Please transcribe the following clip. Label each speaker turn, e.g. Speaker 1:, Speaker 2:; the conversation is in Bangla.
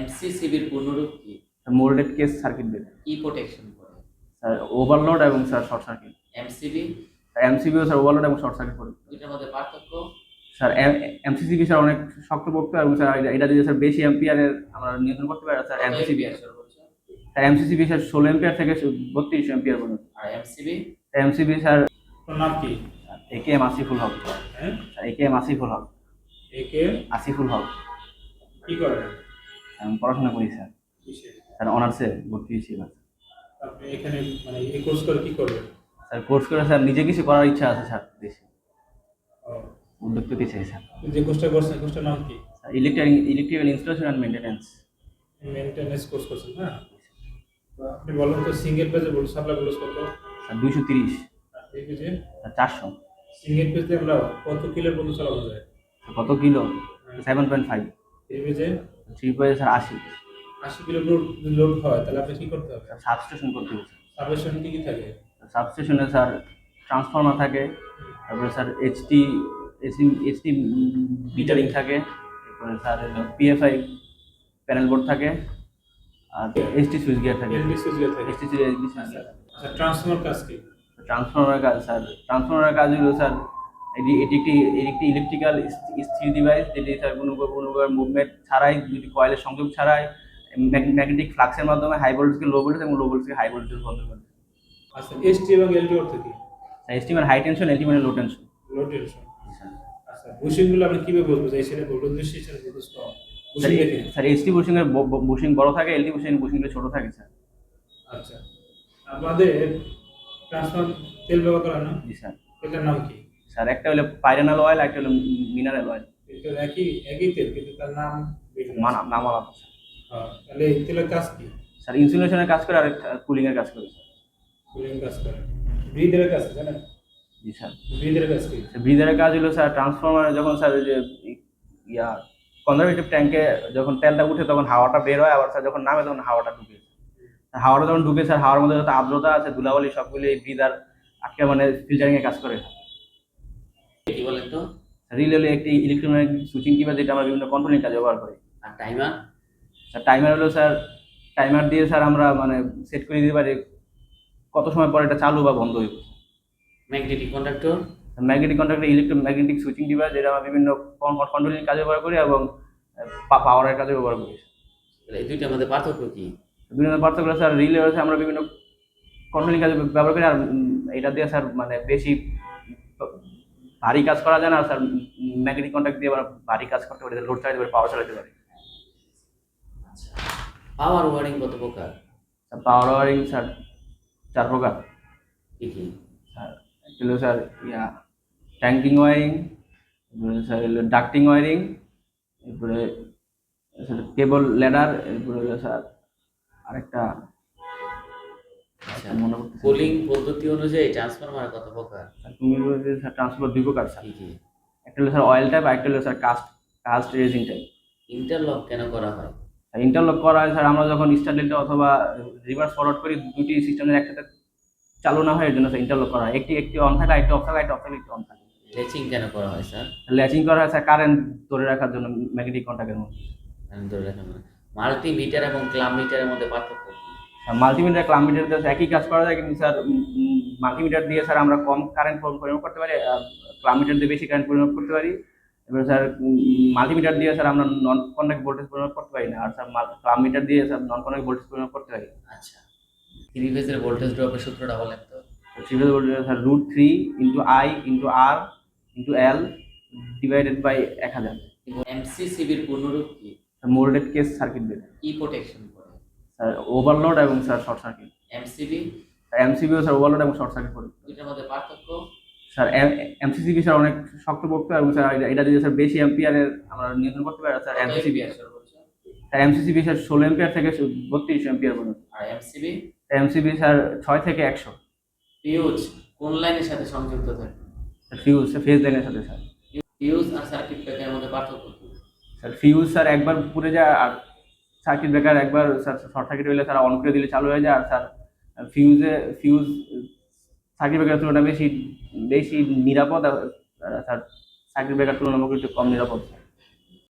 Speaker 1: এমসিসিবির পূর্ণরূপ কি?
Speaker 2: Moulded case circuit breaker.
Speaker 1: কি প্রোটেকশন করে?
Speaker 2: স্যার ওভারলোড এবং স্যার শর্ট সার্কিট।
Speaker 1: এমসিবি?
Speaker 2: এমসিবিও স্যার ওভারলোড এবং শর্ট সার্কিট করে।
Speaker 1: দুইটার মধ্যে পার্থক্য?
Speaker 2: স্যার এমসিসিবি স্যার অনেক শক্তপোক্ত এবং স্যার এটা দিয়ে স্যার বেশি এম্পিয়ারের আমরা নিয়ন্ত্রণ করতে পারি। Sir MCCB sir MCCB sir 16 ampere থেকে 32 এম্পিয়ার পর্যন্ত।
Speaker 1: আর এমসিবি?
Speaker 2: এমসিবি স্যার
Speaker 3: নাম কি?
Speaker 2: একেএম আসিফুল হক।
Speaker 3: হ্যাঁ,
Speaker 2: একেএম আসিফুল হক।
Speaker 3: একে
Speaker 2: আসিফুল হক।
Speaker 3: কি করে?
Speaker 2: আমি পড়াশোনা করি স্যার।
Speaker 3: কিসে?
Speaker 2: স্যার অনার্সে ভর্তি হয়েছি এবার।
Speaker 3: আপনি এখানে মানে এই কোর্স করে কি করবেন?
Speaker 2: স্যার কোর্স করে স্যার নিজে কিছু করার ইচ্ছা আছে স্যার, দেশে
Speaker 3: ও,
Speaker 2: উদ্যোগ পেতে চাই স্যার।
Speaker 3: যে কোর্সটা করছেন কোর্সটার নাম কি?
Speaker 2: Electrical installation and maintenance.
Speaker 3: Maintenance course করছেন না? আপনি বলেন তো সিঙ্গেল পেজে ভোল্টেজ সাপ্লাই ভোল্টেজ কত?
Speaker 2: স্যার 230।
Speaker 3: আর এই পেজে
Speaker 2: স্যার 400।
Speaker 3: সিঙ্গেল পেজে আমরা কত কিলোর পর্যন্ত চালানো যায়?
Speaker 2: কত কিলো? 7.5।
Speaker 3: এই পেজে
Speaker 2: 3 পেজে স্যার 80।
Speaker 3: 80 কিলো লোড হয়, তাহলে আপনি কি করতে হবে?
Speaker 2: স্যার সাবস্টেশন করতে হবে স্যার।
Speaker 3: সাবস্টেশন কি কি থাকে?
Speaker 2: সাবস্টেশনে স্যার ট্রান্সফর্মার থাকে, তারপরে স্যার এইচটি মিটারিং থাকে, তারপরে স্যার পিএফআই প্যানেল বোর্ড থাকে, আর এইচটি সুইচ গিয়ার থাকে।
Speaker 3: এলডি সুইচ গিয়ার থাকে।
Speaker 2: এইচটি সুইচ
Speaker 3: আচ্ছা, আচ্ছা, ট্রান্সফরমার কাজ কি?
Speaker 2: ট্রান্সফর্মারের কাজ স্যার, ট্রান্সফর্মারের কাজ হলো স্যার এটি একটি ইলেকট্রিক্যাল স্থির ডিভাইস, যেটি স্যার কোনো মুভমেন্ট ছাড়াই, দুটি কয়েলের সংযোগ ছাড়াই ম্যাগনেটিক ফ্লাক্সের মাধ্যমে হাই ভোল্টেজকে লো ভোল্টেজ এবং লো ভোল্টেজকে হাই ভোল্টেজ বন্ধ করে।
Speaker 3: আচ্ছা, এসটি এবং এলডি অর্থ কি?
Speaker 2: এসটি মানে হাই টেনশন, এলটি মানে লো টেনশন।
Speaker 3: লো টেনশন। আচ্ছা, বুশিংগুলো আপনি কিভাবে বুঝবো যে এই সাইডে ভোল্টেজ বেশি, এই সাইডে ভোল্টেজ কম? বুশিং দেখে?
Speaker 2: স্যার এসটি বুশিং এর বুশিং বড় থাকে, এলটি বুশিংটা ছোট থাকে স্যার।
Speaker 3: আচ্ছা, আমাদের ট্রান্সফর্মার তেল ব্যবহার করা না?
Speaker 2: জি স্যার।
Speaker 3: এটার নাম কি?
Speaker 2: স্যার একটা হলো পাইরানাল অয়েল, একটা হলো মিনারেল অয়েল।
Speaker 3: এটা একই একই তেল, কিন্তু তার নাম ভিন্ন।
Speaker 2: নাম আলাদা।
Speaker 3: হ্যাঁ, তাহলে এই তেলের কাজ কি?
Speaker 2: স্যার ইনসুলেশনের কাজ করে আর কুলিং এর কাজ করে স্যার।
Speaker 3: কুলিং কাজ করে। ব্রিদের কাজ কি জানেন?
Speaker 2: জি স্যার।
Speaker 3: ব্রিদের কাজ কি?
Speaker 2: ব্রিদারের কাজ হলো স্যার ট্রান্সফরমারে যখন স্যার ওই যে ইয়া কনজারভেটিভ ট্যাঙ্কে যখন তেলটা উঠে তখন হাওয়াটা বের হয়, আবার স্যার যখন নামে তখন হাওয়াটা ঢুকে। হাওয়াটা যখন ঢুকে স্যার, হাওয়ার মধ্যে যত আর্দ্রতা আছে, ধুলাবালি সবগুলো এই ব্রিদার আটকে মানে ফিল্টারিং এর কাজ করে।
Speaker 1: কি বলেন তো?
Speaker 2: রিলে হলো একটি ইলেকট্রোম্যাগনেটিক সুইচিং ডিভাইস, যেটা আমরা বিভিন্ন কন্ট্রোলিং কাজে ব্যবহার করি।
Speaker 1: আর টাইমার?
Speaker 2: স্যার টাইমার হলো স্যার, টাইমার দিয়ে স্যার আমরা মানে সেট করে দিতে পারি কত সময় পর এটা চালু বা বন্ধ হইব।
Speaker 1: Magnetic conductor?
Speaker 2: Magnetic contractor electromagnetic switching device, যেটা আমরা বিভিন্ন কন্ট্রোলিং কাজে ব্যবহার করি এবং পাওয়ারের কাজে ব্যবহার করি।
Speaker 1: এই দুইটার মধ্যে পার্থক্য কি?
Speaker 2: বিভিন্ন পার্থক্য স্যার, রিলে হচ্ছে আমরা বিভিন্ন কন্ট্রোলিং কাজে ব্যবহার করি, আর এটা দিয়ে স্যার মানে বেশি ভারী কাজ করা যায় না। আর স্যার ম্যাগনেটিক কন্ট্যাক্ট দিয়ে আমরা ভারী কাজ করতে পারি, লোড চালাতে পারি, পাওয়ার চালাতে পারি।
Speaker 1: আচ্ছা, পাওয়ার ওয়ারিং কত প্রকার?
Speaker 2: স্যার পাওয়ার ওয়ারিং স্যার 4 প্রকার।
Speaker 1: কি কি?
Speaker 2: স্যার একটা হলো স্যার ট্যাঙ্কিং ওয়ারিং, এরপরে স্যার হলো ডাক্টিং ওয়ারিং, এরপরে স্যার কেবল ল্যাডার, এরপরে হলো স্যার আরেকটা
Speaker 1: আচ্ছা,
Speaker 2: মনে করতেছি।
Speaker 1: কুলিং পদ্ধতি অনুযায়ী ট্রান্সফরমার কত প্রকার?
Speaker 2: তুমি বলতে স্যার ট্রান্সফার 2 প্রকার স্যার।
Speaker 1: কি কি?
Speaker 2: একটা হলো স্যার অয়েল টাইপ, আর একটা হলো sir cast resin type.
Speaker 1: Interlock কেন করা হয়?
Speaker 2: ইন্টারলক করা হয় স্যার আমরা যখন স্টারলিংটা অথবা রিভার্স ফরওয়ার্ড করি, দুটি সিস্টেমের একসাথে চালু না হয়, এর জন্য স্যার ইন্টারলক করা হয়। একটি অন থাকে, আরেকটি অফ থাকে, আরেকটি অফ থাকে, একটি অন থাকে।
Speaker 1: লেচিং কেন করা হয় স্যার?
Speaker 2: ল্যাচিং করা হয় স্যার কারেন্ট ধরে রাখার জন্য ম্যাগনেটিক কন্ট্যাক্টের মধ্যে।
Speaker 1: আমি ধরে রাখলাম না। মাল্টিমিটার এবং ক্লাব মিটারের মধ্যে পার্থক্য কি?
Speaker 2: মাল্টিমিটার ক্লাব মিটার দিয়ে একই কাজ করা যায়, কিন্তু স্যার মাল্টিমিটার দিয়ে স্যার আমরা কম কারেন্ট পরিমাপ করতে পারি, ক্লাব মিটার দিয়ে বেশি কারেন্ট পরিমাপ করতে পারি। এবার স্যার মাল্টিমিটার দিয়ে স্যার আমরা নন কন্ডাক্ট ভোল্টেজ পরিমাপ করতে পারি না, আর স্যার ক্লাব মিটার দিয়ে স্যার নন কন্ডাক্ট ভোল্টেজ পরিমাপ করতে পারি।
Speaker 1: আচ্ছা, 3 ফেজের ভোল্টেজ ড্রপের সূত্রটা বলেন তো?
Speaker 2: 3 phase voltage sir √3 × I × R × L divided by 1000।
Speaker 1: এমসিসিবির পূর্ণরূপ কি?
Speaker 2: Moulded case circuit breaker.
Speaker 1: কি প্রোটেকশন করে?
Speaker 2: স্যার ওভারলোড এবং স্যার শর্ট সার্কিট।
Speaker 1: এমসিবি?
Speaker 2: এমসিবিও স্যার ওভারলোড এবং শর্ট সার্কিট করে।
Speaker 1: দুইটার মধ্যে পার্থক্য?
Speaker 2: স্যার এমসিসিবি স্যার অনেক শক্তপোক্ত এবং স্যার এটা দিয়ে স্যার বেশি এম্পিয়ারের আমরা নিয়ন্ত্রণ করতে পারি। স্যার এমসিসিবি স্যার 16 এম্পিয়ার থেকে 32 এম্পিয়ার পর্যন্ত।
Speaker 1: আর এমসিবি?
Speaker 2: এমসিবি স্যার 6 থেকে 100।
Speaker 1: ফিউজ কোন লাইনের সাথে সংযুক্ত থাকে?
Speaker 2: ফিউজ ফেজ লাইনের সাথে স্যার।
Speaker 1: ফিউজ আর সার্কিট ব্রেকারের মধ্যে পার্থক্য কি?
Speaker 2: স্যার ফিউজ স্যার একবার পুড়ে যায়, আর সার্কিট ব্রেকার একবার স্যার শর্ট সার্কিট হলে স্যার অন করে দিলে চালু হয়ে যায়। আর স্যার ফিউজ সার্কিট ব্রেকারের তুলনায় বেশি নিরাপদ, আর স্যার সার্কিট ব্রেকার তুলনামূলক একটু কম নিরাপদ।